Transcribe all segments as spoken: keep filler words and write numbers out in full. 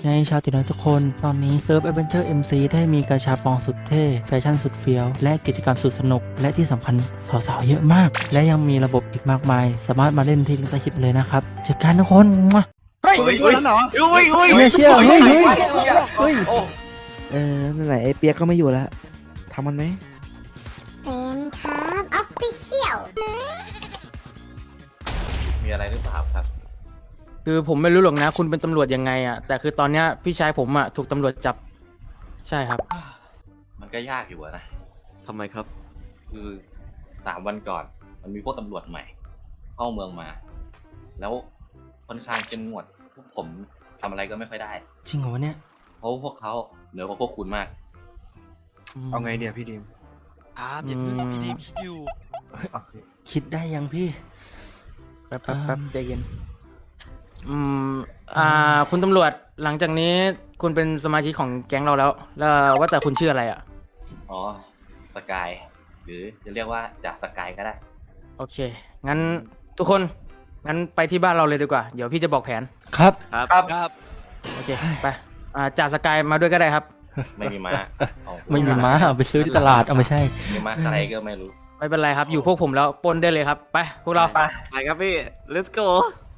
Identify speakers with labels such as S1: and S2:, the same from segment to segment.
S1: ไงชาวติน้อยทุกคนตอนนี้เซิร์ฟ Adventure เอ็ม ซี ได้มีกาชาปองสุดเท่แฟชั่นสุดเฟี้ยวและกิจกรรมสุดสนุกและที่สำคัญสาวๆเยอะมากและยังมีระบบอีกมากมายสามารถมาเล่นที่ลิงก์ใต้คลิปเลยนะครับเจอกันทุกคนเฮ้ย
S2: เฮ้ยเฮ้ยเหรอ
S3: อุ้ยอุ้ย
S1: ไม่เชื่อเฮ้ยเฮ้ยเฮ้ย
S2: เออนั่นแหละไอ้เปียกก็ไม่อยู่แล้วทำมันไหม
S4: เป็นครับออฟฟิเชียล
S3: มีอะไรหรือเปล่าครับ
S5: คือผมไม่รู้หรอกนะคุณเป็นตำรวจยังไงอ่ะแต่คือตอนเนี้ยพี่ชายผมอ่ะถูกตำรวจจับใช่ครับ
S3: มันก็ยากอยู่อะนะ
S6: ทำไมครับ
S3: คือสามวันก่อน มันมีพวกตำรวจใหม่ เข้าเมืองมา แล้วค่อนข้างเข้มงวดพวกผมทำอะไรก็ไม่ค่อยได้
S1: จริงเหรอวะเนี่ย
S3: เพราะพวกเขาเหนือกว่าพวกคุณมาก
S2: เอาไงเนี่ยพี่ดิม
S6: อาร์มอย่าเพิ่งพี่ดีมคิดอยู่
S1: คิดได้ยังพี่
S5: แป๊บแป๊บแป๊บใจเย็นอืมอ่าคุณตำรวจหลังจากนี้คุณเป็นสมาชิกของแก๊งเราแล้ว แล้วว่าแต่คุณชื่ออะไรอ่ะ
S3: อ๋อ สกาย หรือจะเรียกว่าจากสกายก็ได้
S5: โอเคงั้นทุกคนงั้นไปที่บ้านเราเลยดีกว่าเดี๋ยวพี่จะบอกแผน
S1: ครับ
S6: ครับครับ
S5: โอเคไปอ่าจ่าสกายมาด้วยก็ได้ครับ
S3: ไม่มีม้าเอา
S1: ไม่มีม้าเอาไปซื้อที่ตลาดเอาไม่ใช่
S3: มีม้าอะไรก็ไม่รู้
S5: ไม่เป็นไรครับอยู่พวกผมแล้วปล้นได้เลยครับไปพวกเรา
S6: ไปไปครับพี่ let's go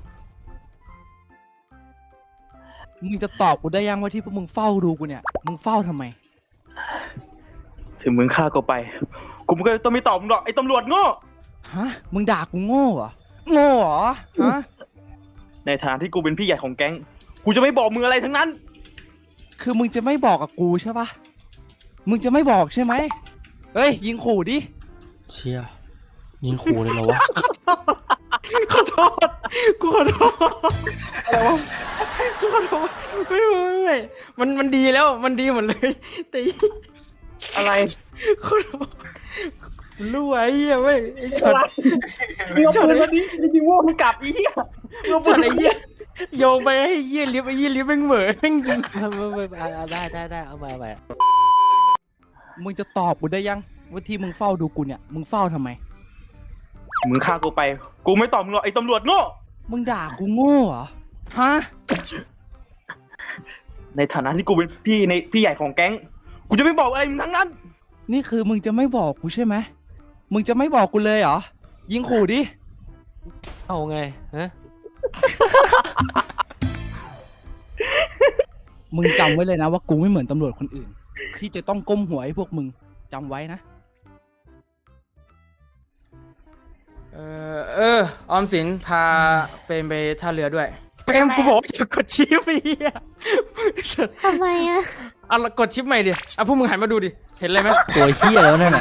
S7: มึงจะตอบกูได้ยังว่าที่พวกมึงเฝ้าดูกูเนี่ย มึงเฝ้าทำไม
S2: ถึงมึงฆ่ากูไป กูก็ต้องไม่ตอบมึงหรอกไอ้ตำรวจโง่
S7: ฮะ มึงด่ากูโง่เหรอ โง่เหรอ ฮะ
S2: ในฐานะที่กูเป็นพี่ใหญ่ของแก๊ง กูจะไม่บอกมึงอะไรทั้งนั้น
S7: คือมึงจะไม่บอกกับกูใช่ปะมึงจะไม่บอกใช่ไหม เฮ้ย ยิงขู่ดิ
S1: เชี่ยยิงขู่เลยเหรอวะ
S5: ขอโทษกูขอโทษอะไรวะกูขอโทษไม่ไม่ไม่มันมันดีแล้วมันดีหมดเลยแต่
S2: อะไร
S5: ขอโทษรู้ไอ้เหี้ยเว้ยไอ้ช็อต
S2: มึงเอาปืนมาดิจริงๆว่ามึงกลับอีเหี้ยมึงเอาปื
S5: ช็อน ตไอ้เหี้ยโยงไปให้เหี้ยลิฟต์ไอ้เหี้ยลิฟต์แม่งเหม่อแม่งยิง
S1: ได้ได้ได้เอาไปเอาไป
S7: มึงจะตอบกูได้ยังว่าที่มึงเฝ้าดูกูเนี่ย มึงเฝ้าทำไม
S2: มึงฆ่ากูไป กูไม่ตอบมึงหรอกไอ้ตำรวจโง่
S7: มึงด่ากูโง่เหรอ ฮะ
S2: ในฐานะที่กูเป็นพี่ในพี่ใหญ่ของแก๊ง กูจะไม่บอกอะไรมึงทั้งนั้น
S7: นี่คือมึงจะไม่บอกกูใช่ไหม มึงจะไม่บอกกูเลยเหรอ ยิงขู่ดิ
S1: เอาไงฮะ
S7: มึงจำไว้เลยนะว่ากูไม่เหมือนตำรวจคนอื่น ที่จะต้องก้มหัวให้พวกมึงจำไว้นะ
S5: เออเออออมสินพาเฟรมไปท่าเรือด้วยเฟรมกูบอกอย่ากดชิปไอ้เหี้ย
S4: ทำไมอะ
S5: อ่ะกดชิปใหม่ดิอ่ะพวกมึงหันมาดูดิเห็นอะไรไหม
S1: ตัวเฮี้ยแล้วนั่นน่ะ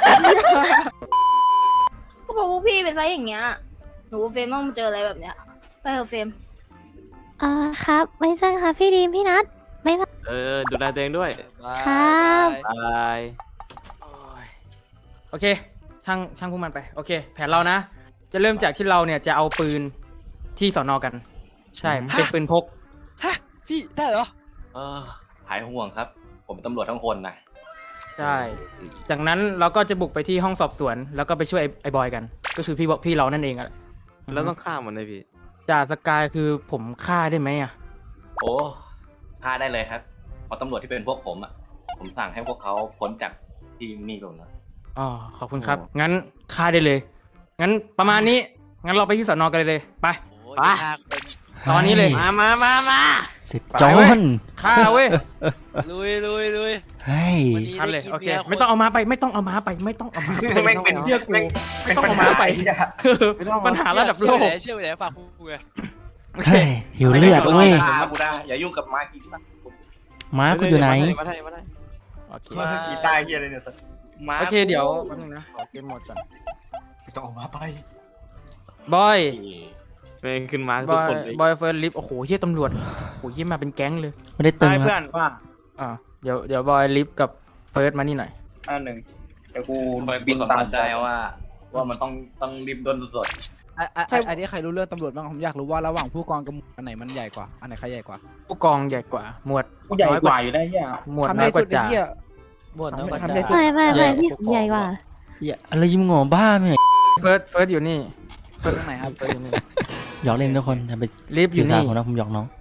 S4: ก็บอกว่าพี่เป็นไซส์อย่างเงี้ย หนูกับเฟรมต้องมาเจออะไรแบบเนี้ย ไปเถอะเฟรมอ่าครับ ไม่ใช่ค่ะพี่ดีมพี่นัทไม่ใช่
S6: เออดูแลตัวเองด้วย
S4: ครับ
S6: บาย
S5: โอ้ยโอเคช่างช่างพวกมันไป โอเค แผนเรานะ จะเริ่มจากที่เราเนี่ยจะเอาปืนที่สอนอกัน ใช่เป็นปืนพก
S6: ฮะพี่ได้เหรอ
S3: เออหายห่วงครับ ผมเป็นตำรวจทั้งคนนะ
S5: ใช่ จากนั้นเราก็จะบุกไปที่ห้องสอบสวน แล้วก็ไปช่วยไอ้ไอ้บอยกัน ก็คือพี่บอกพี่เรานั่นเองอะ
S6: แล้วต้องฆ่ามันเลยพี่
S5: จ่าสกายคือผมฆ่าได้ไหมอะ
S3: โอ้ฆ่าได้เลยครับเพราะตำรวจที่เป็นพวกผมอ่ะ ผมสั่งให้พวกเขาพ้นจากที่นี่ลงแล้ว
S5: อ๋อขอบคุณครับ งั้นฆ่าได้เลย งั้นประมาณนี้ งั้นเราไปที่สอนอกันเลย ไป ไป ตอนนี้เลย
S6: มามามามา
S1: เสร็จจอน
S5: ฆ่าเว้ย
S6: ลุยลุยลุย
S1: เฮ้ย
S6: วันนี้
S5: ฆ่าเลย
S6: ได้กิน
S5: โอเค
S6: เบียร์
S5: ไม่ต้องเอามาไป ไม่ต้องเอามาไป ไม่ต้องเอามาไป
S3: แม่งเป็น
S5: เชื่อกูไม่ต้องเอามาไปปัญหาระดับโลก
S6: เชื่อไปไหนฝากกูไง
S5: โอเค
S1: เฮ้ยหิวเลือดเว้ย
S3: มากูได้อย่ายุ่งกับมากินนะ
S1: ม้ากูอยู่ไหน
S6: มาได้มาได้
S5: โอเค
S3: มากีตาร์เฮียอะไรเนี่ย
S6: มา
S5: โอเค เดี๋ยวแป๊บนึงนะขอเกมหมดก่อน
S3: ต้องออกมาไป
S5: บอย
S6: เม่งขึ้นมา
S5: บ
S6: ทุก
S5: อย
S6: คนเลย
S5: บอยเฟิร์สลิฟต์โอ้โหเฮียตำรวจโอ้โหเฮียมาเป็นแก๊งเลย
S1: ไม่ได้ตึง
S2: ได้
S1: ค
S2: เพื่อ
S1: รับ
S2: นว่า
S5: อ่าเดี๋ยวเดี๋ยวบอยลิฟต์กับเฟิร์สมานี่หน่อย
S2: อันหนึ่งเดี๋ยวกู
S3: บิ
S2: บิ
S3: น
S2: น
S3: ตา
S2: ตาม ม
S3: ใจ
S2: ใจ
S3: ว่า ว่ามันต้องต้องริมด้นสด
S7: ไอ้ไอ้ไอ้ไอ้นี่ใครรู้เรื่องตำรวจบ้างผมอยากรู้ว่าระหว่างผู้กองกับหมวดอันไหนมันใหญ่กว่า อันไหนใครใหญ่กว่า
S5: ผู้กองใหญ่กว่า หมวด
S2: กูใหญ่กว่าอยู่ได้ยัง
S5: หมวด
S7: ทำ
S5: น้อ
S7: ให้
S5: ยก
S7: สุ
S5: ว่า
S7: ดไอ้
S5: จ่า
S7: เหี้ย
S1: หมดแล้ว
S7: ทำให้สุด
S4: ไม่ไม่ไม่พี่ใหญ่กว่า
S1: อย่าอะไรยิ้มงอบ้าไหม
S5: เฟิร์สเฟิร์สอยู่นี่
S7: เปิดตรงไหนครับ
S5: เฟิร์สอยู่นี่
S1: หยอกเล่นทุกคนทำไป
S5: ลิฟต์อยู่
S1: สื่อสาร
S5: นี่
S1: ผมนะผมหยอกน้อง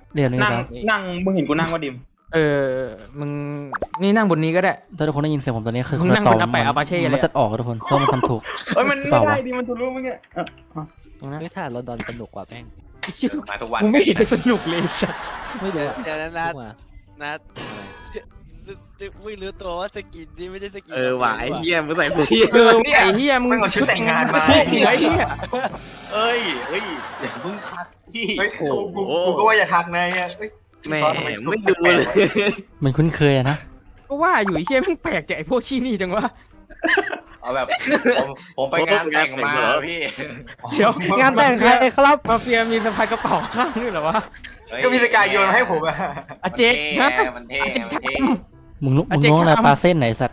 S1: เรียนนี้
S2: นั่ง
S1: แล้ว
S2: นั่งมึงเห็นกูนั่งว่าดิม
S5: เออมึงนี่นั่งบนนี้ก็ได้
S1: ถ้าทุกคนได้ยินเสียงผมตอนนี้คือ
S5: มึงนั่ง
S1: ต่
S5: บนอาแปะอาปาเช่เลยอะ
S1: มันจะออกอะทุกคนเพราะมันทำถูก
S2: เอ้ยมัน
S1: เป
S2: ไม่
S1: ล่าวะ
S2: ได้ดิมันทะลุมึงเนี่ยอ่ะอ่ะ
S8: ไม่ถ้าเราดอนสนุกกว่าแม่ง
S5: เชี่ย
S3: มาทุกวัน
S5: มึงไม่เห็นจะสนุกเลยสัส
S8: ไม่รู้
S6: เดี๋ยวนะนัด
S8: มา
S6: นัดไม่รู้ตัวว่าสกินนี่ไม่ได้สกิน
S7: เออว่ะไอ้เหี้ยมึงใส่สี
S5: เออไอ้เหี้ยมึง
S9: มึงเอาชุดแต่งงานมา
S5: ไอ้เหี้ยไอ้เหี้ย
S3: เอ้ยเอ้ยเดี๋ยวเพิ่งพักที่
S9: เฮ้ยกูกูกูก็ว่าอย่าทักนายอ่ะเฮ้ย
S7: แหม่
S9: ซอสทำซุป
S7: ไม่ดูเลย
S1: มันคุ้นเคยอะนะ
S5: ก็ว่าอยู่ไอ้เหี้ยแม่งแปลกจากไอ้พวกขี้นี่จังวะ
S3: เอาแบบผมผมไปงานแต่งมาพี่
S5: เดี๋ยว
S7: งานแต่งใครครับ
S5: มาเฟียมีสะพายกระเป๋าข้างด้วยเหรอวะ
S3: เฮ้ย
S9: ก็มีสกายโยนมาให้ผมอ่ะ
S5: อาเจ๊ก
S3: มั
S5: นะ
S3: นเท่มันเท่มันเท่
S1: มึงลุก
S5: อ่ะ
S1: มึง
S5: เจ๊
S1: น้องอะไร
S5: ครับ
S1: ปลาเส้นไหนสัตว์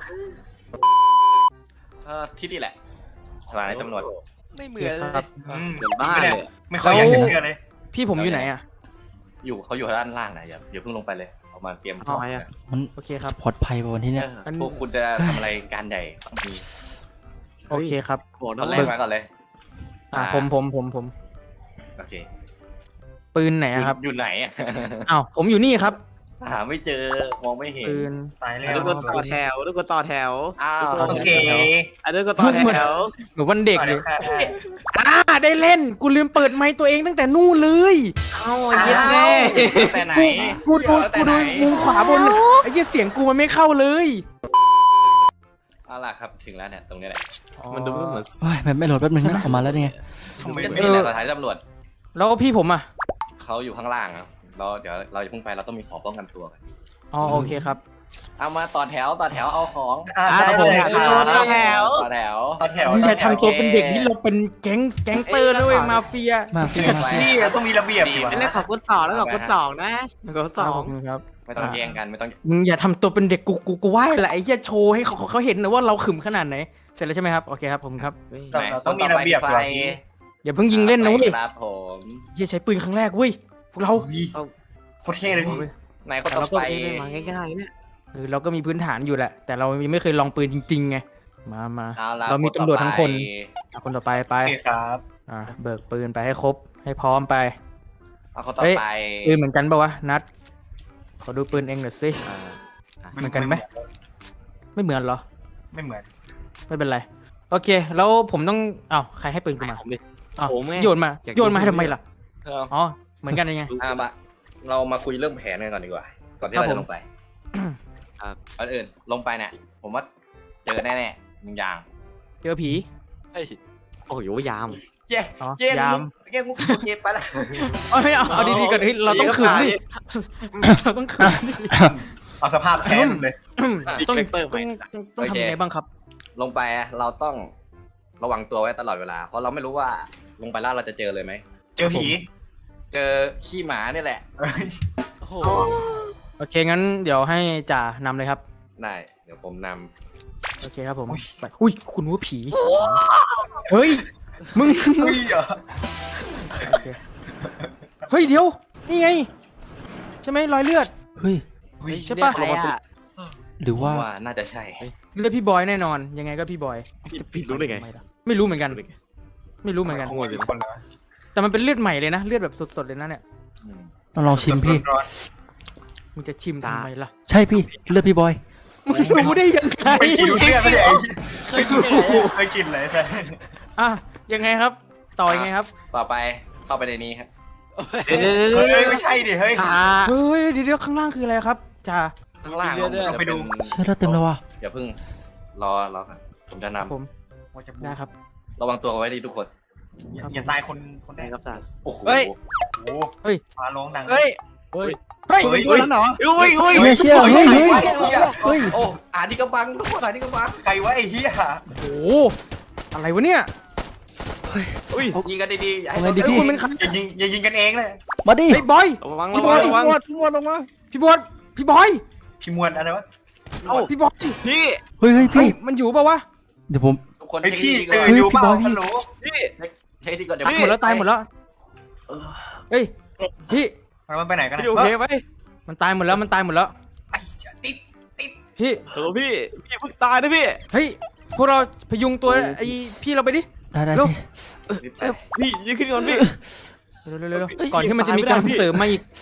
S3: เออที่นี่แหละสถานีตำรวจ
S6: ไม่เหมือนเลย
S9: อืม
S7: เดี๋ยวบ้าเลย
S9: ไม่ค่อยอยากจะเชื่อเลย
S5: พี่ผมอยู่ไหนอ่ะ
S3: อยู่เขาอยู่ด้านล่างนะอย่าอย่าเพิ่งลงไปเลยเอามาเตรียม
S5: เอา
S7: ไงอะ
S1: มัน
S5: โอเคครับ
S1: ปลอดภัยป่ะวันที่เนี้ย
S3: พวกคุณจะทำอะไรการใหญ่ต้องมี
S5: โอเคครับ
S7: โหด
S3: ตอนแร
S7: เล
S3: ก
S7: ย
S3: มาก่อนเลย
S5: อ่าผมผมผมผม
S3: โอเค
S5: ปืนไหนอะครับ
S3: อยู่ไหนอ่ะ
S5: อ้าวผมอยู่นี่ครับ
S3: หาไม่เจอมองไม่เห็น
S5: ปืน
S9: ตายแล้
S7: ทุ
S9: ว
S7: กคนต่อแถวทุกคนต่อแถว
S3: อ้าว
S9: โอเค
S7: อันนี้ก็ต่อแถว
S5: เหมือนวันเด็ก
S9: ต่อ
S5: เล
S9: เดี๋ย
S5: ยว
S9: ค่ะ
S5: อ่าได้เล่นกูลืมเปิดไมค์ตัวเองตั้งแต่นู่นเลย
S7: เอ้าเยี่ยมแม่
S3: แต่ไหน
S5: กูดู
S3: แต่
S5: กู
S3: ไหน
S5: ดูมุมขวาบนไอ้เหี้ยเสียงกูมันไม่เข้าเลย
S3: เอาล่ะครับถึงแล้วเนี่ยตรงนี้แหละ
S7: มันดูเหมือน
S1: โอ้ยมันไม่โหลดแป๊บนึงนะออกมาแล้วเนี่ย
S9: ทำไม
S3: ก็
S9: ไม่
S3: นี่แหละสถานีตำรวจ
S5: แล้วพี่ผมอ่ะ
S3: เขาอยู่ข้างล่างครับเราเดี๋ยวเราจะเพิ่งไปเราต้องมีของป้องกันตัวกัน
S5: อ๋อโอเคครับ
S3: เอามาต่อแถวต่อแถวเอาของ
S9: อ่าได้เลยค่ะ
S3: ต่อแถวต่อแถว
S9: ต่อแถว
S5: อย่าทำตัวเป็นเด็กที่เราเป็นแก๊งแก๊งเตอร์นะเว้ยมาเฟีย
S1: มาเฟียมาเฟีย
S9: นี่ต้องมีระเบียบสิวะ
S7: เป็นเรื่องของคนสองแล้วกับคนสองนะคนสอง
S5: ครับ
S3: ไม่ต้องแย่งกันไม่ต้อง
S5: มึงอย่าทำตัวเป็นเด็กกูกูกูไหว้แหละไอ้เหี้ยโชว์ให้เขาเขาเห็นนะว่าเราขึมขนาดไหนเสร็จแล้วใช่ไหมครับโอเคครับผมครับ
S9: เราต้องมีระเบียบสิวะพี่
S5: อย่าเพิ่งยิงเล่นนะเว้ย
S3: ครับผม
S5: เหี้ยใช้ปืนครั้งแรกเว้ยพวกเรา
S9: โคตรเท่เลยพี่
S3: ไหนคน
S7: แต่
S3: ต่
S7: เรา
S3: อ
S7: ก็
S3: ไป
S7: เล่นมาง่ายๆเนี่ย
S5: เออเราก็มีพื้นฐานอยู่แหละ แต่เรายังไม่เคยลองปืนจริงๆไงมามา
S3: เอาละ
S5: เรามีตำรวจทั้งคน
S3: ต่อไป
S5: อ่ะคนต่อไปไป
S9: โอเคครับ
S5: อ่ะเบิกปืนไปให้ครบให้พร้อมไป
S3: เอาคนต่อ
S5: เฮ้ย
S3: ไป
S5: ปืนเหมือนกันปะวะนัดขอดูปืนเองหน่อยสิ เหมือนกันไหม ไม่เหมือนเหรอ
S9: ไม่เหมือน
S5: ไม่เป็นไรโอเค แล้วผมต้องอ้าวใครให้ปืนกูมา
S7: ผมดิ
S5: อ้าว
S7: ผมไง
S5: โยนมา
S7: อยาก
S5: โยนมาให้
S7: ดู
S5: ทำไมล่ะ
S3: เอา
S5: อ๋อเหมือนกันยังไง
S3: อ่ะมาเรามาคุยเรื่องแผนกันก่อนดีกว่า ก่อนที่
S5: ครับ
S3: เรา
S5: ผ
S3: จะ
S5: ม
S3: ลงไป
S7: ครับ
S3: ก่อนอื่นลงไปเนี่ย ผมว่าเจอแน่ๆหนึ่งอย่าง
S5: เจอผี
S6: เฮ้ย
S7: โอ้ยยาม
S3: เย้
S5: อ๋อ
S3: เย้
S5: ยาม
S3: เย้มุกเย้ไปละ
S5: เอาไม่เอาเอาดีๆก่อนเฮ้ยเราต้องขืนดิเราต้องขืนดิ
S9: เอาสภาพแท้สุดเลย
S5: ต้องต้องต้องต้องทำยังไงบ้างครับ
S3: ลงไปอะเราต้องระวังตัวไว้ตลอดเวลา เพราะเราไม่รู้ว่าลงไปแล้วเราจะเจอเลยไหม
S9: เจอผี
S3: เจอขี้หมานี่แหละ
S9: เอ้ย
S6: โอ้โห
S5: โอเคงั้นเดี๋ยวให้จ่านำเลยครับ
S3: ได้ เดี๋ยวผมน
S5: โอเคครับผมไปอุ้ยคุณว่าผีเฮ้ยมึง
S9: เฮ้ยเหรอ
S5: โอเคเฮ้ยเดี๋ยวนี่ไงใช่ไหมรอยเลือด
S1: เฮ้ย
S9: เฮ้ย
S5: ใช่ปะ
S7: ใครอ่ะ
S1: หรือ
S3: ำ
S1: ว่า
S3: ว่าน่าจะใช่
S5: เลือดพี่บอยแน่นอน ยังไงก็พี่บอย
S7: ผิดรู้ได้ไง
S5: ไม่รู้เหมือนกัน ไม่รู้เหมือนกัน
S9: ขโมยคนละ
S5: แต่มันเป็นเลือดใหม่เลยนะเลือดแบบสดๆเลยนะเนี่ย
S3: อืม
S1: ต้องลองชิมพี่
S9: ร้อน
S5: มึงจะชิมทำไมล่ะ
S1: ใช่พี่เลือดพี่บอย
S5: มึงรู้ได้ยังไง
S9: ๆไม่กินเลือดไม่ได้ไอ้เคยกินเคยกินเลยแต่
S5: อ่ะยังไงครับ ต่อยังไงครับ
S3: ต่อไปเข้าไปในนี้ครับ
S7: เอ้ย
S9: เฮ้ยไม่ใช่ดิเฮ้ย
S7: อ่า
S5: เฮ้ยเดี๋ยวๆข้างล่างคืออะไรครับจ่า
S3: ข้างล่าง
S9: เราไปดู
S1: เชื่อแล้วเต็มแล้วว่ะ
S3: อย่าเพิ่งรอรอก่อนผมจะน
S5: ผม
S9: ว่าจะ
S5: ได้ครับ
S3: ำระวังตัวไว้ดีทุกคน
S9: อย่าตายคนคนแร
S7: ได้
S9: ก
S7: ครับจ่า
S3: โอ้โห
S6: เฮ้ย
S9: โอ้
S5: เฮ้ย
S9: ฟ้าร้องดัง
S6: เฮ้ย
S7: เฮ้ย
S5: เฮ้ย
S9: เฮ้ย
S7: เฮ้ยเหรอ
S9: อุ้ยอุ้ย
S1: ไม่เชื่อเฮ้ยเฮ้ยเฮ้ย
S3: โอ้อ่านที่กระบังทุกคนอ่านที่กระบัง
S9: ใครวะไอ้เหี้ย
S5: โอ้โหอะไรวะเนี่ย
S3: อุ้ยยิงกันดีๆอย่าให้
S1: เอาไงดี
S5: เฮ้ย
S1: พี่
S5: คุณเป็นใคร
S9: อย่ายิงอย่ายิงกันเองเลย
S1: มาดิ
S5: เฮ้ยบอย
S7: ระวัง
S5: พี่
S7: ระ
S5: บ
S7: วั
S5: อง ย
S7: ระวัง
S5: พี่บอยลงมาพี่บอยพี่บอย
S9: พี่มวลอะไรวะ
S7: เอ้า
S5: พี่บอย
S7: พี่
S1: เฮ้ยเฮ้ย
S5: เฮ้ย
S1: พี่
S5: มันอยู่เปล่าวะ
S1: เดี๋ยวผม
S3: ทุกคน
S9: ไอพี่
S3: เช็ค
S9: ตื่น
S3: ที่
S9: อยู่เปล่า
S1: พี่บอยพี่
S9: ฮัลโหล
S7: พี่
S3: เช็คที่ก่อนเดี๋ยว
S5: ตายหมดแล้วตายหมดแล้วเฮ้ยพี่
S9: มันไปไหนกัน
S7: พี่โอเคไหม
S5: มันตายหมดแล้วมันตายหมดแล้ว
S9: ไอ้ติด
S5: พี่
S7: เออพี่พี่เพิ่งตายนะพี่
S5: เฮ้ยพวกเราพยุงตัวไอ้พี่เราไปดิ
S1: ได้ได้
S5: เร็ว
S1: พี่
S7: พี่ยืนขึ้นก่อนพี่
S5: เร็วๆๆๆก่อนที่มันจะมีการเสริมมาอีก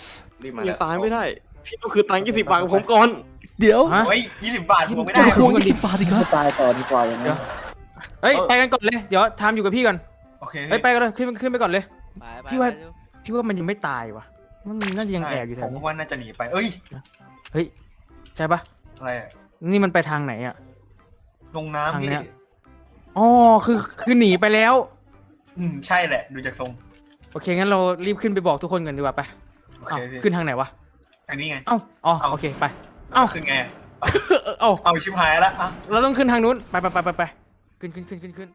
S3: รีบมา
S6: ยังตายไม่ได้ พี่ต้องคือตังค์ยี่สิบบาทของผมก่อน
S1: เดี๋ยว
S5: ฮะ
S9: เฮ้ยยี่สิบบาทผมไม่
S1: จะ
S9: ได้
S1: ควงยี่สิบบาทอีกเหรอ
S2: ตายต่อดีกว่าอย่าง
S5: เดี๋
S2: นั้
S5: ยวน เฮ้ยไปกันก่อนเลยเดี๋ยวทามอยู่กับพี่ก่อน
S9: โอเค
S5: เฮ้ยไปกันเลยขึ้นขึ้นไปก่อนเลย
S6: ไปไป
S5: พี่ว่า
S6: ไปดู
S5: พี่ว่ามันยังไม่ตายว่ะมันน่าจะยังแอบอยู่แถ
S9: ผ
S5: ว
S9: ม
S5: นี้
S9: ว่าน่าจะหนีไป เอ้ย
S5: เฮ้ยใช่ปะ
S9: อะไรอะ
S5: นี่มันไปทางไหนอ่ะ
S9: ลงน้ำ
S5: ทาง
S9: พี่
S5: เนี้ย อ๋อคือคือหนีไปแล้ว
S9: อืมใช่แหละ ดูจากทรง
S5: โอเคงั้นเรารีบขึ้นไปบอกทุกคนกันดีกว่าไป
S9: โอเค
S5: เอ้า
S9: พี่
S5: ขึ้นทางไหนวะ
S9: อันนี้ไง
S5: เอ้าอ๋อ
S9: เอ้า
S5: โอเคไป เอ้า
S9: ขึ้นไงอะ
S5: เอ้า
S9: เอาชิบหายแล้วอ่ะ
S5: เราต้องขึ้นทางนู้นไปไปไปไปไปขึ้นขึ้นขึ้นขึ้นขึ้น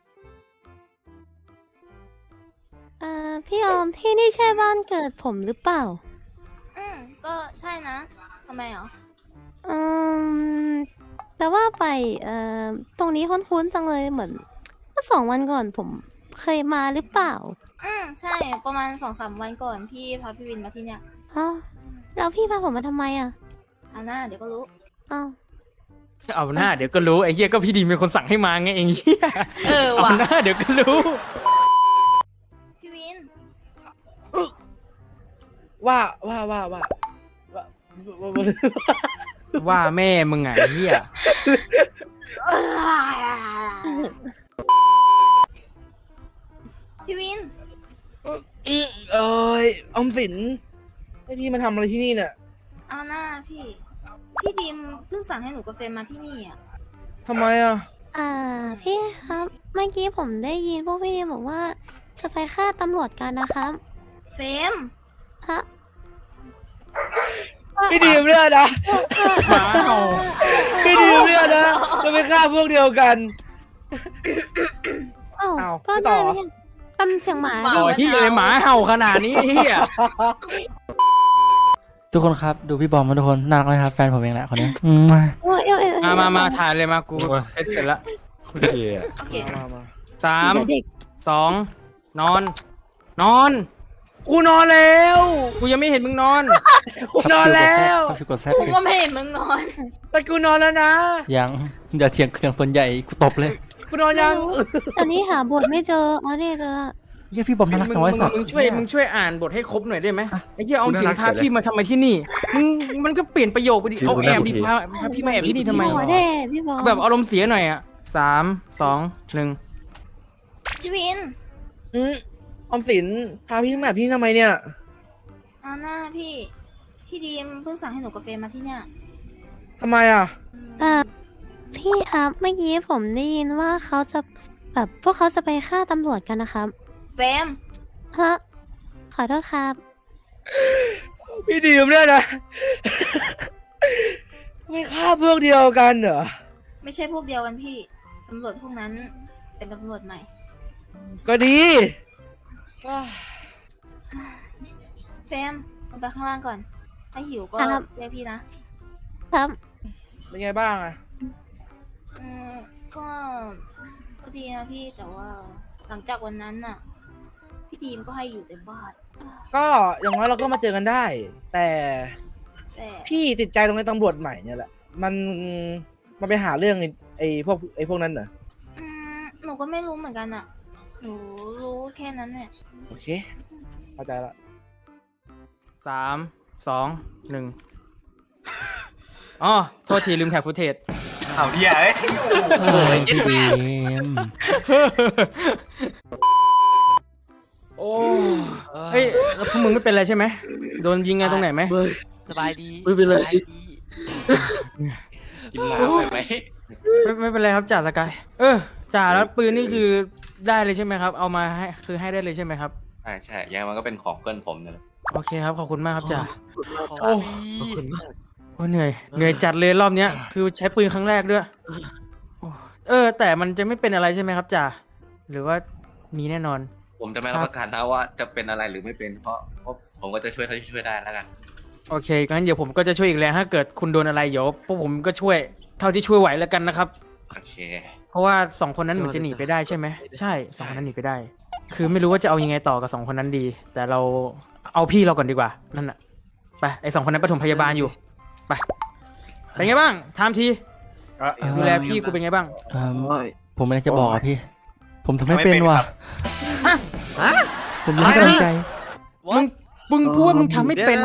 S4: เอ่อพี่ออมที่นี่ใช่บ้านเกิดผมหรือเปล่า
S10: อืมก็ใช่นะทำไมเหรอ
S4: อืมแต่ว่าไปเอ่อตรงนี้คุ้นๆจังเลยเหมือนเมื่อสองวันก่อนผมเคยมาหรือเปล่า
S10: อืมใช่ประมาณสองสามวันก่อนพี่พาพี่วินมาที่เนี่ย
S4: ฮะแล้วพี่พาผมมาทำไมอ่ะ
S10: อาน่าเดี๋ยวก็รู้
S4: อ้าว
S5: เอาหน้าเดี๋ยวก็รู้ไอ้เหี้ยก็พี่ดีเป็นคนสั่งให้มาไงเองเหี้ย
S10: เออ
S5: เอา
S10: ว่ะ
S5: หน้าเดี๋ยวก็รู้
S10: พี่วิน
S7: ว่าว่าว่าว่าว่าว่าว่า
S5: ว่าแม่มึงไงเหี้ย
S10: พี่วิน
S7: อืมเอ้ยออมสินให้พี่มาทำอะไรที่นี่เนี่ย
S10: เอาหน้าพี่ พี่ดีมเพิ่งสั่งให้หนูกับเฟรมมาที่นี่อ่ะ
S7: ทำไมอ่ะ
S4: อ่าพี่ครับเมื่อกี้ผมได้ยินพวกพี่บอกว่าจะไปฆ่าตำรวจกันนะครับ
S10: เฟรม
S4: ฮะ
S7: พี่ดีมเนี่ยนะ
S5: หมาเห่า
S7: พี่ดีมเนี่ยนะจะไปฆ่าพวกเดียวกัน
S4: อ้าว
S7: อ้าว
S4: ก็
S7: ไม่ต่
S4: ได้
S7: อ
S4: ไม่ใช่ทำเสียงหมา
S5: ต่อที่เลยหมาเห่าขนาดนี้เหี้ย
S1: ทุกคนครับดูพี่บอมมาทุกคนน่ารักไหมครับแฟนผมเองแหละคนนี้อืมมา
S4: โอ้ยเอ้ยเอ้ยเอ้ย
S5: มามามาถ่ายเลยมากูเสร็จเสร็จละ
S10: โอเค
S7: มามา
S5: สาม
S4: เดี๋ยวเด็ก
S5: สองนอน นอน
S7: กูนอนแล้ว
S5: กูยังไม่เห็นมึงนอน
S7: กูนอนแล้ว
S1: ต้องฟิวกดแซด
S10: กู
S1: เลย
S10: ก็ไม่เห็นมึงนอน
S7: แต่กูนอนแล้วนะ
S1: ยังอย่าเถียงเสียงส่วนใหญ่กูตบเลย
S7: กูนอนยัง
S4: ตอนนี้หาบทไม่เจออ๋อนี่เจอละ
S1: เฮียพี่บอม
S5: มึ
S1: น่าง รัก
S5: มึ
S1: จั
S5: ง
S1: งไว้สัตว์
S5: มึงช่วยมึงช่วยอ่านบทให้ครบหน่อยได้ไหมไอ้เหี้ยเอาสินพาพี่มาทำไมที่นี่มึงมันก็เปลี่ยนประโยคไปดิเอาแอบดิพาพาพี่มาแอบที่นี่ทำไม
S4: พี่บอแน่พี่บอ
S5: เอาแบบอารมณ์เสียหน่อยอ่ะสามสองหนึ่ง
S10: พี่วิน
S7: อืมออมสินพาพี่มาแบบพี่ทำไมเนี่ย
S10: เอาหน้าพี่ พี่ดีมเพิ่งสั่งให้หนูกับเฟรมมาที่เนี่ย
S7: ทำไมอ่ะ
S4: อ่าพี่ครับเมื่อกี้ผมได้ยินว่าเขาจะแบบพวกเขาจะไปฆ่าตำรวจกันนะครับ
S10: เฟรม
S4: ฮะขอโทษครับ
S7: พี่ดีมเนี่ยนะ ไม่ฆ่าพวกเดียวกันเหรอ
S10: ไม่ใช่พวกเดียวกันพี่ ตำรวจพวกนั้นเป็นตำรวจใหม่
S7: ก็ดี
S10: เฟรมลงไปข้างล่างก่อน ถ้าหิวก็
S4: ครับ
S10: เรียกพี่นะ
S4: ครับ
S7: เป็นไงบ้างอ่ะ
S10: อืมก็ก็ดีนะพี่แต่ว่าหลังจากวันนั้นน่ะ พี่ดีมก็ให้อยู่แต่บ้าน
S7: ก็อย่างน้อยเราก็มาเจอกันได้ แต่
S10: แต่
S7: พี่ติดใจตรงในตำรวจใหม่เนี่ยแหละ มันมันไปหาเรื่องไอ้ไอ้พวกไอ้พวกนั้นเหรอ
S10: อืมหนูก็ไม่รู้เหมือนกันอ่ะ หนูรู้แค่นั้นเนี่ย
S7: โอเค เข้าใจละ
S5: สามสองหนึ่งอ๋อโทษทีลืมแท็กฟุตเทจ
S9: เอาเดียเอ้ยโอ้โห
S1: เออพี่ดีม
S7: โอ้
S5: เฮ้ยแล้วพวกมึงไม่เป็นไรใช่ไหมโดนยิงไงตรงไหนไหม
S6: สบายดี
S7: ไม่เป็นไร
S6: สบายดี
S3: กินน้ำไปไหม
S5: ไม่ไม่เป็นไรครับจ่าสกายเออจ่าแล้วปืนนี่คือได้เลยใช่ไหมครับ เอามาให้คือให้ได้เลยใช่ไหมครับ
S3: ใช่ใช่ยังไงมันก็เป็นของเพื่อนผมเนี่ยแหละ
S5: โอเคครับขอบคุณมากครับจ่า
S6: ของ
S5: โอ้
S6: ฟรี
S5: โอ้เหนื่อยเหนื่อยจัดเลยรอบเนี้ยคือใช้ปืนครั้งแรกด้วยโอ้เออ แต่มันจะไม่เป็นอะไรใช่ไหมครับจ่าหรือว่ามีแน่นอน
S3: ผมจะไม่รับประกันนะว่าจะเป็นอะไรหรือไม่เป็นเพราะเพราะผมก็จะช่วยเท่าที่ช่วยได้แล้วกัน
S5: โอเคงั้นเดี๋ยวผมก็จะช่วยอีกแรงถ้าเกิดคุณโดนอะไรเดี๋ยวพวกผมก็ช่วยเท่าที่ช่วยไหวแล้วกันนะครับ
S3: โอเค
S5: เพราะว่าสองคนนั้นเหมือนจะหนีไปได้ใช่ไหมใช่สองคนนั้นหนีไปได้ คือไม่รู้ว่าจะเอายังไงต่อกับสองคนนั้นดี แต่เราเอาพี่เราก่อนดีกว่านั่นน่ะไปไอสองคนนั้นปฐมพยาบาลอยู่ไปเป็นไงบ้างถามทีดูแลพี่กูเป็นไงบ้าง
S1: เอิ่มผมไม่ได้จะบอกอะพี่ ผมทำไม่เป็นว่ะผมไม่ได้ตั้งใจ
S5: มึงมึงพูดว่ามึงทำไม่เป็น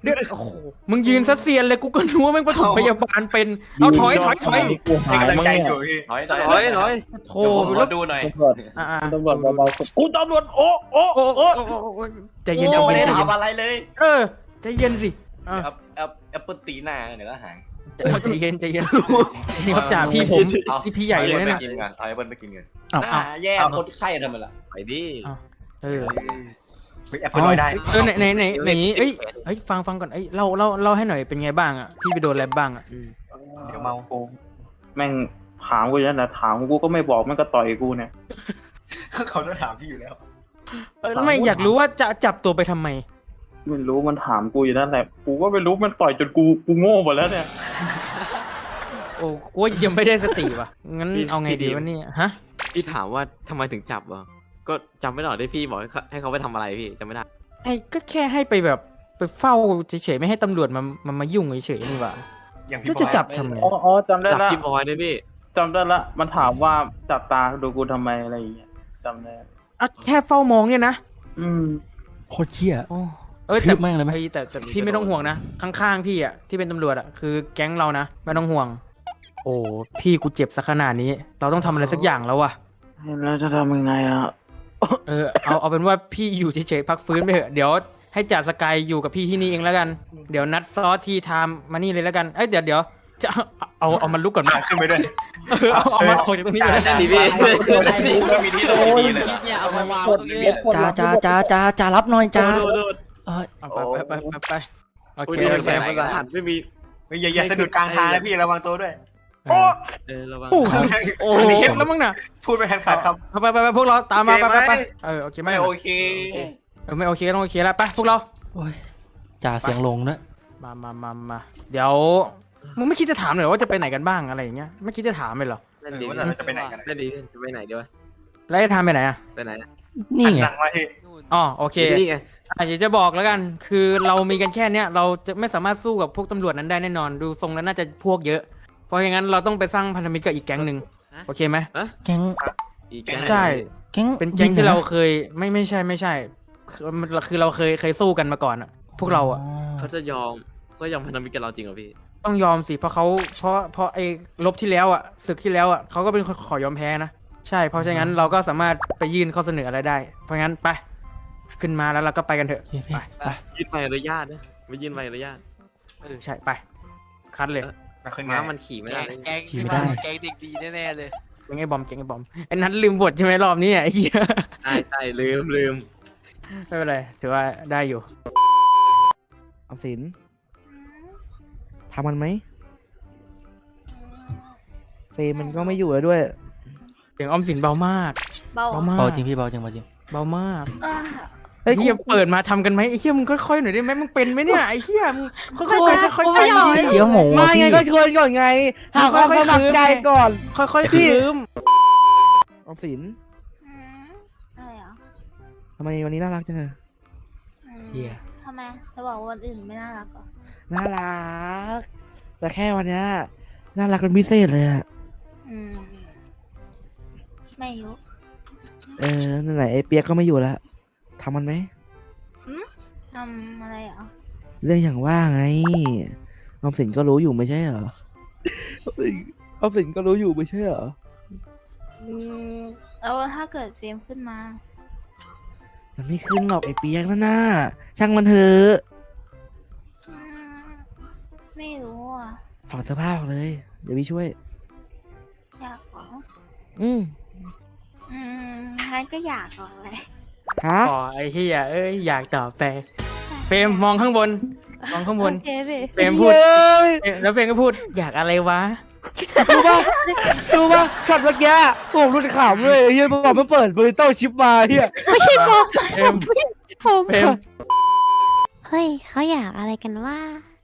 S5: เดี๋ยวโอ้โหมึงยืนซะเซียนเลยกูก็รู้ว่าแม่งปฐมพยาบาลเป็นเอาถอยถอยถอย
S2: กูหาย
S9: ให้กำลัง
S2: มั้ง
S9: ใจ
S2: เนี่ย
S9: อยู่พี่
S3: ถอยถอย
S5: ถอยถอยโธ่
S3: เดี๋ยวผมขอดูหน่อย
S5: อ่า
S2: ตำรวจเบาๆกูตำรวจโอ้โอ้
S5: โอ้
S2: โอ้
S5: โอ้โอ้โอ้ใจเย็น
S3: ยัง
S5: ใจ
S3: ไม่
S5: เย็
S3: ได้
S5: น
S3: ถามอะไรเลย
S5: เออใจเย็นสิอ่ะ
S3: แอปแอปแอปเปิลตีหน้าเดี๋ยวก็หาย
S5: ใจเย็นใจเย็นนี่ครับจ่าพี่ผม
S3: เอา
S5: พี่พี่ใหญ่เลยนะ
S3: ไป
S5: เนี่ย
S3: กินกันเอาแอปเปิลไปกินกัน
S5: เอาเอา
S3: อ่าแย่คนไข้ทำไมล่ะไปดิ
S5: เออ
S9: ไปแอปเปิลลอยได้
S5: เออไหนไหนไหนไหนเอ้ยเอ้ยฟังฟังก่อนเอ้ยเล่าเล่าเล่าให้หน่อยเป็นไงบ้างอ่ะพี่ไปโดนอะไรบ้างอ่ะ
S9: เดี๋ยวเมา
S2: กูแม่งถามกูอย่างนั้นแหละถามกูก็ไม่บอกแม่งก็ต่อยกูเนี่ย
S9: เขาจะถามพี่อยู่แล้ว
S5: เออไม่อยากรู้ว่าจะจับตัวไปทำไม
S2: ไม่รู้มันถามกูอยู่นั่นแหละกูก็ไม่รู้มันต่อยจนกูกูโง่หมดแล้วเนี่ย
S5: โอ้กูว่ายังไม่ได้สติว่ะงั้นเอาไงดีวะเนี่ยฮะ
S11: พี่ถามว่าทำไมถึงจับอ่ะก็จำไม่ได้หรอกที่พี่บอกให้เขาให้เขาไปทำอะไรพี่จำไม่ได้
S5: ไอ้ก็แค่ให้ไปแบบไปเฝ้าเฉยๆไม่ให้ตำรวจมามามายุ่งเฉยๆนี่หว่า
S9: อย่างพี่
S5: แล้ว
S9: บ
S5: จะ
S9: อย
S5: จับทำไม
S2: อ๋ออ๋อจำได้
S11: จับ
S2: ละ
S11: พี่บอยด้วยพี่
S2: จำได้ละมันถามว่าจับตาดูกูทำไมอะไรอย่างเงี้ยจำได้
S5: อ่ะแค่เฝ้ามองเนี่ยนะ
S2: อืม
S1: โคตรเชี่ย
S5: โอ้เออ
S1: ทื
S5: แต่
S1: บแม่งเลยไหม
S5: อ้แต่แต่พี่ไม่ต้องห่วงนะข้างๆพี่อ่ะที่เป็นตำรวจอ่ะคือแก๊งเรานะไม่ต้องห่วง โอ้พี่กูเจ็บซะขนาดนี้ เราต้องทำอะไรสักอย่างแล้วว่ะ
S2: แล้วจะทำยังไงอ่ะ
S5: เออเอาเอาเป็นว่าพี่อยู่เฉยๆพักฟื้นไปเถอะเดี๋ยวให้จ่าสกายอยู่กับพี่ที่นี่เองแล้วกันเดี๋ยวนัดซอสทีไทม์มานี่เลยแล้วกันเอ้ยเดี๋ยวเดี๋ยวจะเอาเอาเอามันลุกก่อนไหม
S9: อ่ะขึ้นไปด้วย
S5: เออเอาเอามันออกจากตรงนี้เลย
S11: นั่นดิพี่
S3: ก็มีที่ตรงนี้เลย
S6: คิดเนี่ยเอามาวางตรงนี้
S1: จ้าจ้าจ้าจ้าจ้ารับหน่อยจ้าเออ
S5: เอาไปไปไปไปไปโอ
S11: โอ้
S5: เค
S11: ย
S5: โอ
S11: เป็น
S5: เค
S11: แฝงภาษาหันไม่มี
S9: เฮ้ยอย่าอย่าสะดุดกลางทางนะพี่ระวังตัวด้วย
S5: เออ
S11: เออระวัง
S5: โอ้โห
S9: โอ้
S5: อันนี้
S9: โห
S5: เห็นแล้วมั้งน่ะ
S9: พูดไปทันขาดค
S5: เอาไปไปไปพวกเราตามมาไปไปไปเออโอเคไหม
S3: ไม่โอเค
S5: เออไม่โอเคต้องโอเคแล้วไปพวกเรา
S1: โอ้ยจ่าเสียงลงด้วย
S5: มามามามาเดี๋ยวมึงไม่คิดจะถามเลยว่าจะไปไหนกันบ้างอะไรอย่างเงี้ยไม่คิดจะถามเลยเหรอ
S9: ำเออว่าเราจะไปไหนกัน
S11: นั่นดีจะไปไหนดีวะ
S5: แล้วจะทำไปไหนอ่ะ
S11: ไปไหนอะ
S1: นี่
S9: หัน
S1: ไง
S9: หลังมาที่
S6: นู่น
S5: อ๋อโอเค
S11: นี่ไง
S5: อ่ะเดี๋ยวจะบอกแล้วกัน คือเรามีกันแค่เนี้ยเราจะไม่สามารถสู้กับพวกตำรวจนั้นได้แน่นอน ดูทรงแล้วน่าจะพวกเยอะ เพราะอย่างนั้นเราต้องไปสร้างพันธมิตรกับอีกแก๊งหนึ่งโอเคไหม
S1: แก๊ง
S11: อีกแก๊ง
S5: ใช่
S1: แก๊ง
S5: เป็นแก๊งที่เรา
S1: วินหอ
S5: เคยไม่ไม่ใช่ไม่ใช่คือมันคือเราเคยเคยสู้กันมาก่อนอ่ะ พวกเราอ่ะ
S11: เขาจะยอมก็ยอมพันธมิตรกับเราจริงเหรอพี่
S5: ต้องยอมสิเพราะเขาเพราะเพราะไอ้ลบที่แล้วอ่ะศึกที่แล้วอ่ะเขาก็เป็นคนขอยอมแพ้นะใช่เพราะฉะนั้นเราก็สามารถไปยื่นข้อเสนออะไรได้ เพราะงั้นไปขึ้นมาแล้วเราก็ไปกันเถอะ
S1: โอเคพี่
S5: ไป
S1: ไป
S11: ยื่นใบอนุญาตนะไม่ยื่นใบอนุญาต
S5: เออใช่ไปคัดเลย
S9: มาขึ้นไง
S11: ม้ามันขี่ไม่
S6: แก
S11: ได้
S6: งแกงที่มาแกงเด็กดีแน่ๆเลย
S5: เก่งไอ้บอมเก่งไอ้บอมไอ้นัทลืมบทใช่ไหมรอบนี้อ่ะไอ้เหี้ย
S11: ใช่ใช่ลืมลืม
S5: ไม่เป็นไรถือว่าได้อยู่
S7: ออมสิน
S10: อืม
S7: ทำมันไหม
S10: อืม
S7: เฟรมมันก็ไม่อยู่แล้วด้วย
S5: เสียงออมสินเบามาก
S10: เบา
S5: เบา
S10: อ่ะ
S5: มาก
S1: เบาจริงพี่เบาจริงเบาจริง
S5: เบามาก
S10: อ่า
S7: เฮ้ย
S5: เฮียเปิดมาทำกันไหมไอ้เฮียมึงค่อยๆหน่อยได้ไหมมึงเป็นไหมเนี่ยไอ้เฮียมึงค่อยๆไปค่อยๆไป
S1: เจียวหมู
S7: มา
S1: อะ
S7: ไง
S1: พี่
S7: ก็ชวนก่อนไงหาความสมัครใจก่อน
S5: ค่อยๆคืม
S7: ออมสิน
S10: อืมอะไรอ่ะ
S7: ทำไมวันนี้น่ารักจังเลย
S10: อืม
S1: เหี้ย
S10: ทำไมจะบอกว่าวันอื่นไม่น่ารักเหรอ
S7: น่ารัก แต่แค่วันเนี้ยน่ารักเป็นพิเศษเลยอะ
S10: อืมไม่ยุ
S7: เออนั่นไหนไอ้เปียกก็ไม่อยู่แล้วทำมันไหม
S10: ทำอะไรอ่ะ
S7: เรื่องอย่างว่าไงออมสินก็รู้อยู่ไม่ใช่เหรอออมสินออมสินก็รู้อยู่ไม่ใช่เหรอ
S10: อืมแล้วถ้าเกิดเฟรมขึ้นมา
S7: มันไม่ขึ้นหรอกไอ้เปียกนั่นน่ะช่างมันเถอะ
S10: อืมไม่รู้อ่ะ
S7: ถอดเสื้อผ้าออกเลย เดี๋ยวพี่ช่วย
S10: อยากเหรอ
S7: อืม
S10: อืมงั้นก็อยากเหรอเลย
S7: ฮะ
S5: อ๋อไอ้เฮียเอ้ยอยากตอบแต่เฟรมมองข้างบนมองข้างบน
S10: โอเคพี่
S5: เฟรมพูด
S7: เย้ย
S5: เอ๊ะแล้วเฟรมก็พูดอยากอะไรวะ
S7: ดูป่ะดูป่ะช็อตเมื่อกี้ผมรู้ขำเลยเฮียบอกไม่เปิดบริโต้ชิปมาเฮีย
S4: ไม่ใช่ผม
S5: เฟรม
S4: ผม
S5: เฟรม
S4: เฮ้ยเขาอยากอะไรกันว่า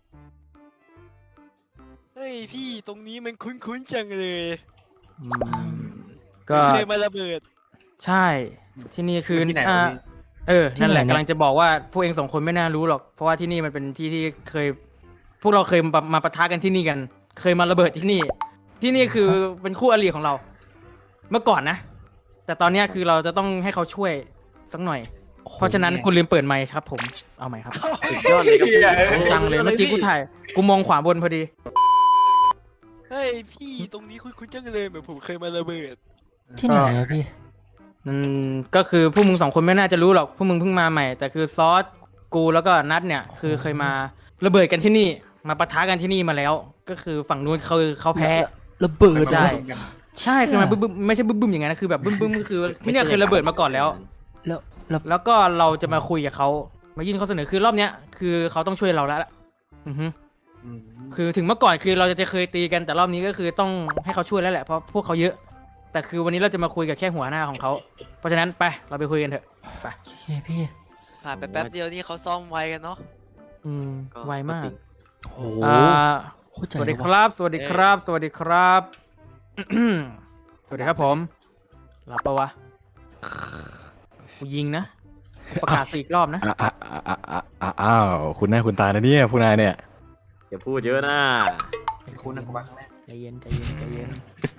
S6: เฮ้ยพี่ตรงนี้มันคุ้นๆจังเลย
S5: อืมก็
S6: เคยมาระเบิด
S5: ใช่ที่นี่คือ
S9: ที่ไหน
S5: อ่า
S9: วะพี่
S5: เออ นั่นแหละ
S1: ที่ไหนเนี่ย
S5: กำลังจะบอกว่าพวกเองสองคนไม่น่ารู้หรอก เพราะว่าที่นี่มันเป็นที่ที่เคย พวกเราเคยมามาปะทะกันที่นี่กัน เคยมาระเบิดที่นี่ ที่นี่คือเป็นคู่อริของเรา เมื่อก่อนนะ แต่ตอนเนี้ยคือเราจะต้องให้เขาช่วยสักหน่อยเพราะฉะนั้นคุณลืมเปิดไมค์ครับผมเอาใหม่ครับ
S11: สุดยอดเลยครับพี่
S5: จังเลยเมื่อกี้กูถ่ายกูมองขวาบนพอดี
S6: เฮ้ยพี่ตรงนี้คุณคุณจังเลยเหมือนผมเคยมาระเบิด
S1: ที่ไหนอะพี่
S5: อืมก็คือพวกมึงสองคนไม่น่าจะรู้หรอกพวกมึงเพิ่งมาใหม่ แต่คือซอสกูแล้วก็นัดเนี่ย คือเคยมาระเบิดกันที่นี่ มาปะทะกันที่นี่มาแล้ว ก็คือฝั่งนู้นเขาเขาแพ้
S1: ระเบิด
S5: ใช่
S1: เหรอ
S5: ใช่คือมันบึ้มบึ้มไม่ใช่บึ้มบึ้มอย่างนั้นนะคือแบบบึ้มบึ้มก็คือที่เนี่ยเคยระเบิดมาก่อนแล้ว
S1: แล้วแล้ว
S5: แล้วก็เราจะมาคุยกับเขามายื่นข้อเสนอคือรอบเนี้ยคือเขาต้องช่วยเราแล้วล่ะอือฮึคือถึงเมื่อก่อนคือเราจะเคยตีกันแต่รอบนี้ก็คือต้องให้เขาช่วยแล้วแหละเพราะพวกเขาเยอะ แต่คือวันนี้เราจะมาคุยกับแค่หัวหน้าของเขาเพราะฉะนั้นไปเราไปคุยกันเถอะไป
S1: โอเคพี่
S6: ผ่านไปแป๊บเดียวนี่เขาซ่อมไวกันเนาะ
S5: อืมไวมาก
S1: โอ้โห
S5: อ่า
S1: โคตรใจ
S5: สวัสดี
S1: เลย
S5: ค
S1: ว่ะ
S5: รับ สวัสดีครับ สวัสดีครับ สวัสดีครับผมรับปะวะกูยิงนะประกาศสี่รอบนะ
S12: อ่าอ่าอ่าอ่าอ่าอ้าวคุณหน้าคุณตานะเนี่ยผู้นายเนี่ย
S11: อย่าพูดเยอะนะ
S9: คุณนะกูมาครั้งแรก
S5: ใจเย็นใจเย็นใจเย็น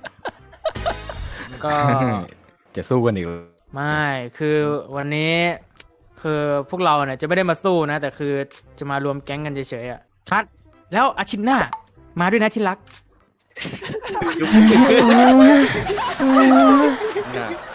S5: ก็
S12: จะสู้กันอีกเหรอ
S5: ไม่คือวันนี้ คือพวกเราเนี่ยจะไม่ได้มาสู้นะ แต่คือจะมารวมแก๊งกันเฉยๆอ่ะคัดแล้วอาทิตย์หน้า มาด้วยนะที่รัก
S11: น่ะ